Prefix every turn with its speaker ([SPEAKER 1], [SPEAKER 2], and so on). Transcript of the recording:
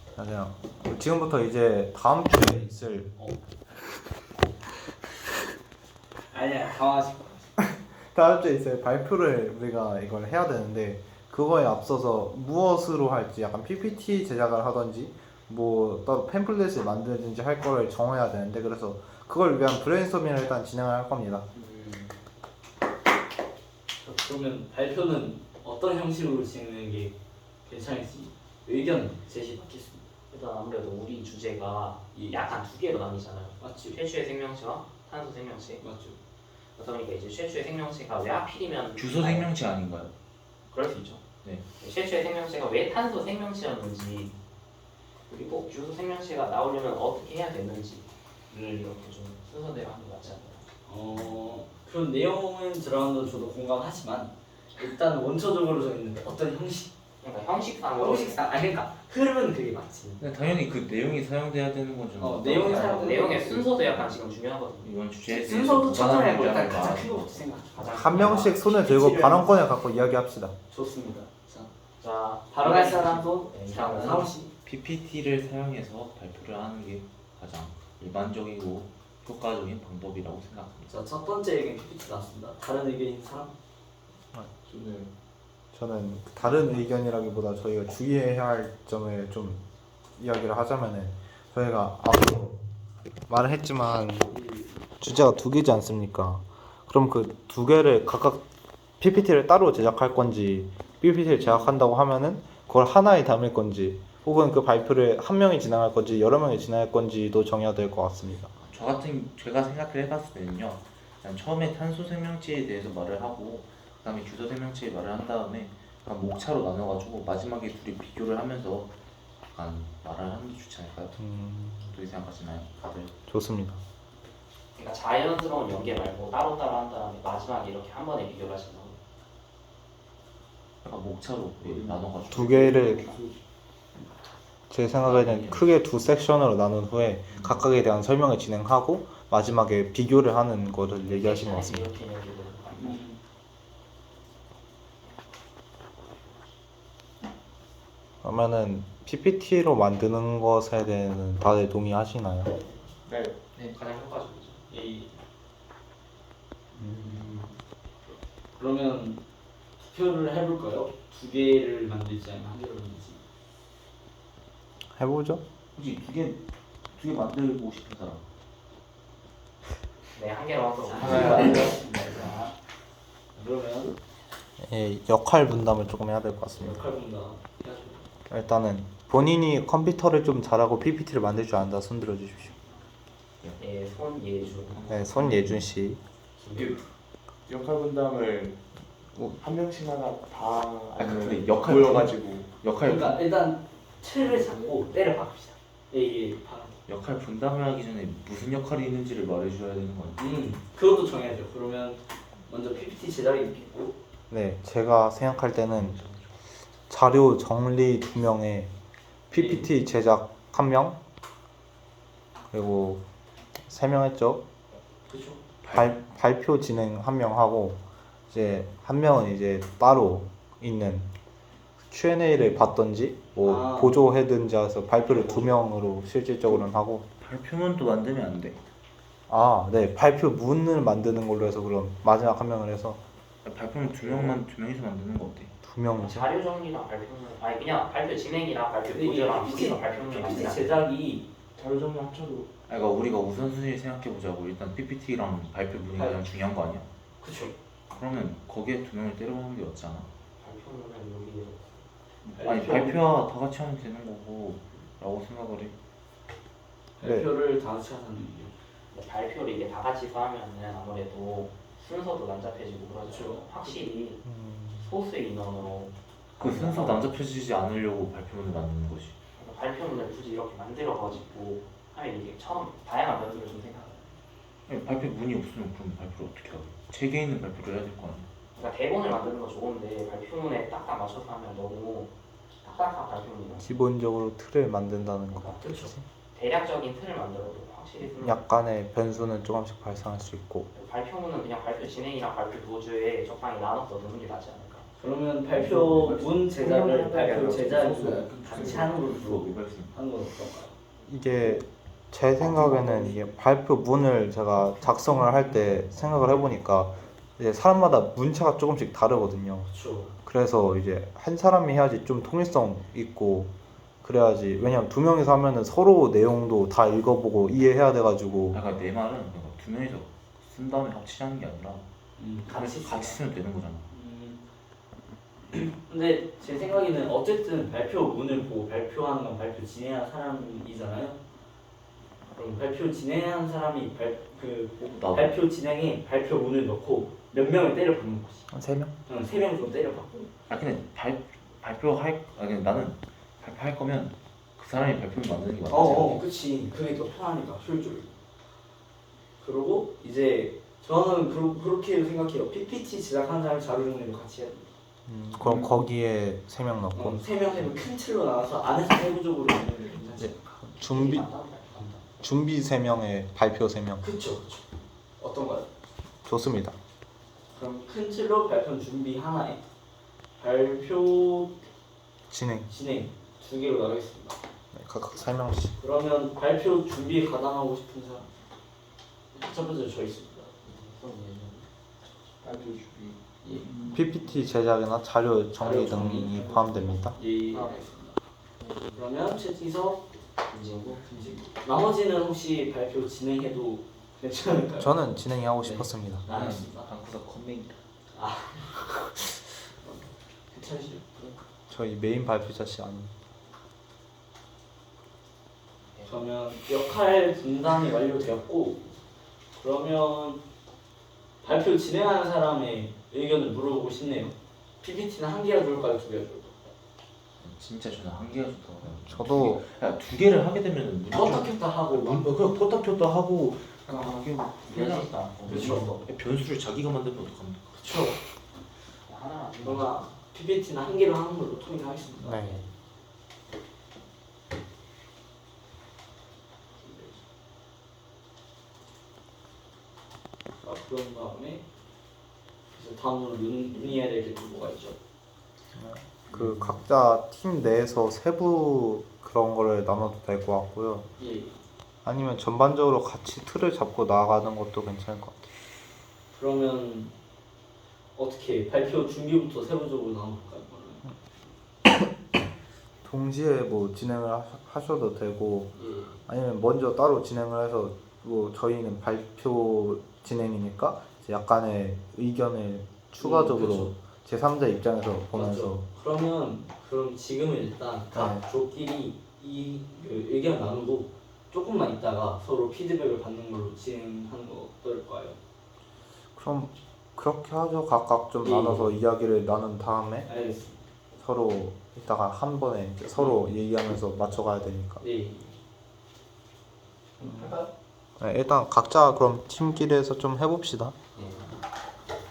[SPEAKER 1] 맞아요. 지금부터 이제 다음 주에 있을
[SPEAKER 2] 아니야, 당황하지 마.
[SPEAKER 1] 다음 주에 있을 발표를 우리가 이걸 해야 되는데 그거에 앞서서 무엇으로 할지 약간 PPT 제작을 하던지 뭐 따로 팸플렛을 만들든지 할 거를 정해야 되는데 그래서 그걸 위한 브레인스토밍을 일단 진행을 할 겁니다.
[SPEAKER 2] 그러면 발표는 어떤 형식으로 진행하는 게 괜찮을지 의견 제시 받겠습니다.
[SPEAKER 3] 일단 아무래도 우리 주제가 약간 두 개로 나뉘잖아요.
[SPEAKER 2] 맞죠?
[SPEAKER 3] 최초의 생명체와 탄소 생명체.
[SPEAKER 2] 맞죠?
[SPEAKER 3] 그러니까 이제 최초의 생명체가 왜 하필이면
[SPEAKER 4] 주소 생명체 아닌가요?
[SPEAKER 3] 그럴 수 있죠.
[SPEAKER 4] 네.
[SPEAKER 3] 최초의 생명체가 왜 탄소 생명체였는지 그리고 주소 생명체가 나오려면 어떻게 해야 됐는지를 이렇게 좀 순서대로 하는 게 맞지 않나요?
[SPEAKER 2] 그런 내용은 들어가는 저도 공감하지만 일단 원초적으로 정했는 어떤 형식,
[SPEAKER 3] 그러니까 형식상으로
[SPEAKER 2] 그러니까 흐름은 그게 맞지.
[SPEAKER 4] 근데 당연히 그 내용이 사용돼야 되는 거죠.
[SPEAKER 2] 내용이 사용
[SPEAKER 3] 내용의 순서도 약간 지금 중요하거든요.
[SPEAKER 4] 이번 주제에
[SPEAKER 2] 순서도 첫날에
[SPEAKER 4] 무관한
[SPEAKER 2] 일단
[SPEAKER 4] 입장을
[SPEAKER 2] 가장
[SPEAKER 4] 말하는
[SPEAKER 2] 큰 것부터 생각하죠.
[SPEAKER 3] 가장
[SPEAKER 1] 한 명씩 손을 들고 발언권을 갖고 이야기합시다.
[SPEAKER 2] 좋습니다.
[SPEAKER 3] 자
[SPEAKER 2] 발언할 사람 손.
[SPEAKER 3] 네,
[SPEAKER 2] 자,
[SPEAKER 3] 이상은
[SPEAKER 2] 사우 씨.
[SPEAKER 4] PPT를 사용해서 발표를 하는 게 가장 일반적이고 효과적인 방법이라고 생각합니다.
[SPEAKER 2] 자, 첫 번째 의견 PPT 나왔습니다. 다른 의견인 사람?
[SPEAKER 1] 저는 다른 의견이라기보다 저희가 주의해야 할 점을 좀 이야기를 하자면은 저희가 앞서 말을 했지만 주제가 두 개지 않습니까? 그럼 그 두 개를 각각 PPT를 따로 제작할 건지 PPT를 제작한다고 하면은 그걸 하나에 담을 건지 혹은 그 발표를 한 명이 진행할 건지 여러 명이 진행할 건지도 정해야 될 것 같습니다.
[SPEAKER 4] 제가 생각을 해봤을 때는요. 일단 처음에 탄소 생명체에 대해서 말을 하고 그다음에 주소 생명체에 말을 한 다음에 약간 목차로 나눠가지고 마지막에 둘이 비교를 하면서 약간 말을 하는 게 좋지 않을까요? 어떻게 생각하시나요, 다들?
[SPEAKER 1] 좋습니다.
[SPEAKER 3] 그러니까 자연스러운 연계 말고 따로따로 한 다음에 마지막에 이렇게 한 번에 비교를 하신다고.
[SPEAKER 4] 약간 목차로 나눠가지고
[SPEAKER 1] 두 개를 제 생각에는 크게 두 섹션으로 나눈 후에 각각에 대한 설명을 진행하고 마지막에 비교를 하는 거를 얘기하신 것 같습니다.
[SPEAKER 3] 이렇게 연계를
[SPEAKER 1] 그러면은 PPT로 만드는 것에 대해서는 다들 동의하시나요?
[SPEAKER 3] 네, 가장 효과적이죠.
[SPEAKER 2] 그러면 투표를 해볼까요? 두 개를 만들지 아니면 한 개를 만들지?
[SPEAKER 1] 해보죠.
[SPEAKER 4] 혹시 두 개 만들고 싶은 사람?
[SPEAKER 3] 네, 한 개로 하도록
[SPEAKER 2] 자, 그러면
[SPEAKER 1] 예, 역할 분담을 조금 해야 될 것 같습니다.
[SPEAKER 2] 역할 분담 해야죠.
[SPEAKER 1] 일단은 본인이 컴퓨터를 좀 잘하고 PPT를 만들 줄 안다 손 들어 주십시오.
[SPEAKER 3] 네, 손예주.
[SPEAKER 1] 네, 손예준 씨.
[SPEAKER 5] 역할 분담을 한 명씩 하나 다
[SPEAKER 4] 근데
[SPEAKER 5] 아니면
[SPEAKER 4] 역할
[SPEAKER 5] 모여가지고
[SPEAKER 2] 그러니까 일단 틀을 잡고 때를 박읍시다. 이게
[SPEAKER 4] 역할 분담을 하기 전에 무슨 역할이 있는지를 말해줘야 되는 거 아니에요?
[SPEAKER 2] 그것도 정해야죠. 그러면 먼저 PPT 제작이 있겠고,
[SPEAKER 1] 네, 제가 생각할 때는 자료 정리 2명에 PPT 제작 1명 그리고 3명 했죠.
[SPEAKER 2] 그렇죠?
[SPEAKER 1] 발표 진행 1명 하고 이제 한 명은 이제 따로 있는 Q&A를 받던지 뭐 보조해든지 해서 발표를 2명으로 실질적으로는 하고
[SPEAKER 4] 발표문도 만들면 안 돼.
[SPEAKER 1] 네, 발표문을 만드는 걸로 해서 그럼 마지막 1명을 해서
[SPEAKER 4] 발표문 두 명이서 만드는 거 어때?
[SPEAKER 1] 2명이서
[SPEAKER 3] 자료 정리랑 발표문, 아니 그냥 발표 진행이랑 발표 보조랑 둘이서 발표문을
[SPEAKER 2] PPT
[SPEAKER 3] 만들면
[SPEAKER 2] 제작이
[SPEAKER 5] 자료 정리 합쳐도
[SPEAKER 4] 그러니까 우리가 우선순위를 생각해 보자고. 일단 PPT랑 발표문이 가장 중요한 거 아니야?
[SPEAKER 2] 그렇죠.
[SPEAKER 4] 그러면 거기에 두 명을 때려박는 게 맞잖아.
[SPEAKER 3] 발표문은 여기
[SPEAKER 4] 아니 발표야 다 같이 하면 되는 거고 라고 생각을 해.
[SPEAKER 2] 발표를 다 같이 하는 의견.
[SPEAKER 3] 발표를 이게 다 같이 하면은 아무래도 순서도 난잡해지고 그러죠.
[SPEAKER 2] 그렇죠.
[SPEAKER 3] 확실히 소수 인원으로
[SPEAKER 4] 그 순서 난잡해지지 않으려고 발표문을 만드는 거지.
[SPEAKER 3] 발표문을 굳이 이렇게 만들어가지고 하면 이게 처음 다양한 변수를 좀 생각해요.
[SPEAKER 4] 아니, 발표문이 없으면 그럼 발표를 어떻게 하고? 책에 있는 발표를 해야 될 거 아니야?
[SPEAKER 3] 그러니까 대본을 만드는 건 좋은데 발표문에 딱딱 맞춰서 하면 너무 딱딱한 발표문이 나죠.
[SPEAKER 1] 기본적으로 틀을 만든다는 거.
[SPEAKER 2] 그렇죠.
[SPEAKER 3] 대략적인 틀을 만들어도 확실히
[SPEAKER 1] 약간의 변수는 조금씩 발생할 수 있고
[SPEAKER 3] 발표문은 그냥 발표 진행이랑 발표 도주에 적당히 나눠서 넣는 게 낫지 않을까.
[SPEAKER 2] 그러면 발표문 제작을 발표 제작을 같이 하는 걸로 하는 건 어떨까요?
[SPEAKER 1] 이게 제 생각에는 이게 발표문을 제가 작성을 할 때 생각을 해보니까 이제 사람마다 문체가 조금씩 다르거든요.
[SPEAKER 2] 그렇죠.
[SPEAKER 1] 그래서 이제 한 사람이 해야지 좀 통일성 있고 그래야지. 왜냐면 두 명이서 하면은 서로 내용도 다 읽어보고 이해해야 돼가지고.
[SPEAKER 4] 약간 내 말은 그러니까 두 명이서 쓴 다음에 합치자는 게 아니라
[SPEAKER 2] 같이
[SPEAKER 4] 쓰면 되는 거잖아.
[SPEAKER 2] 근데 제 생각에는 어쨌든 발표문을 보고 발표하는 건 발표 진행한 사람이잖아요. 그럼 발표 진행한 사람이
[SPEAKER 4] 나도.
[SPEAKER 2] 발표 진행에 발표문을 넣고 몇 명을 때려 박는 거지.
[SPEAKER 1] 한 3명?
[SPEAKER 2] 응, 3명 정도 때려 박고.
[SPEAKER 4] 근데 그냥 나는 발표할 거면 그 사람이 발표를 만드는 게 맞지.
[SPEAKER 2] 그치. 그게 더 편하니까 효율적이고. 그리고 이제 저는 그렇게 생각해요. PPT 제작하는 사람 자료 정리도 같이 해야 돼.
[SPEAKER 1] 그럼 거기에 3명 넣고
[SPEAKER 2] 3명 큰 틀로 나와서 안에서 세부적으로 있는 게 괜찮지.
[SPEAKER 1] 준비 3명에 발표 3명.
[SPEAKER 2] 그쵸. 어떤가요?
[SPEAKER 1] 좋습니다.
[SPEAKER 2] 그럼 큰 틀로 발표 준비 하나에 발표
[SPEAKER 1] 진행.
[SPEAKER 2] 진행 2개로 나가겠습니다.
[SPEAKER 1] 네, 각각 3명씩.
[SPEAKER 2] 그러면 발표 준비에 가담하고 싶은 사람 첫 번째로 저 있습니다.
[SPEAKER 5] 발표 준비.
[SPEAKER 1] PPT 제작이나 자료 정리
[SPEAKER 2] 자료 정리.
[SPEAKER 1] 등이 포함됩니다.
[SPEAKER 2] 예, 알겠습니다. 그러면 최진석, 김진구. 나머지는 혹시 발표 진행해도 괜찮을까요?
[SPEAKER 1] 저는 진행이 하고 싶었습니다.
[SPEAKER 2] 알겠습니다.
[SPEAKER 4] 방구석 컴맹이다.
[SPEAKER 2] 괜찮으시죠?
[SPEAKER 1] 저희 메인 발표자씨 아니.
[SPEAKER 2] 그러면 역할 분담이 완료되었고 그러면 발표 진행하는 사람의 의견을 물어보고 싶네요. PPT는 한 개가 좋을까요? 2개가 좋을까요?
[SPEAKER 4] 진짜 저는 한 개가 좋다고.
[SPEAKER 1] 저도
[SPEAKER 4] 두 개를 하게 되면은
[SPEAKER 2] 껐다 켰다 하고 막
[SPEAKER 4] 그냥 껐다 켰다 하고 이게
[SPEAKER 3] 이해하겠다.
[SPEAKER 2] 그렇죠.
[SPEAKER 4] 변수를 자기가 만들면 어떡합니까?
[SPEAKER 2] 그쵸.
[SPEAKER 3] 하나.
[SPEAKER 2] 그러나 PPT는 한 개로 하는 걸로 통일하겠습니다.
[SPEAKER 1] 네.
[SPEAKER 2] 자, 그런 다음에 이제 다음으로 논의해야 될 게 뭐가 있죠?
[SPEAKER 1] 그 각자 팀 내에서 세부 그런 거를 나눠도 될 것 같고요.
[SPEAKER 2] 예.
[SPEAKER 1] 아니면 전반적으로 같이 틀을 잡고 나가는 것도 괜찮을 것 같아요.
[SPEAKER 2] 그러면 어떻게 발표 준비부터 세부적으로 나눠볼까요?
[SPEAKER 1] 동시에 뭐 진행을 하셔도 되고
[SPEAKER 2] 예.
[SPEAKER 1] 아니면 먼저 따로 진행을 해서 뭐 저희는 발표 진행이니까 이제 약간의 의견을 추가적으로
[SPEAKER 2] 그쵸.
[SPEAKER 1] 제3자 입장에서 보면서
[SPEAKER 2] 맞죠. 그럼 지금은 일단 각
[SPEAKER 1] 네.
[SPEAKER 2] 조끼리 그 의견 나누고 조금만 있다가 서로 피드백을 받는 걸로 진행하는 거 어떨까요?
[SPEAKER 1] 그럼 그렇게 하죠. 각각 좀
[SPEAKER 2] 예.
[SPEAKER 1] 나눠서 이야기를 나눈 다음에
[SPEAKER 2] 알겠습니다.
[SPEAKER 1] 서로 이따가 한 번에 이제 서로 얘기하면서 맞춰가야 되니까.
[SPEAKER 2] 네. 할까요?
[SPEAKER 1] 네, 일단 각자 그럼 팀끼리 해서 좀 해봅시다.
[SPEAKER 2] 네.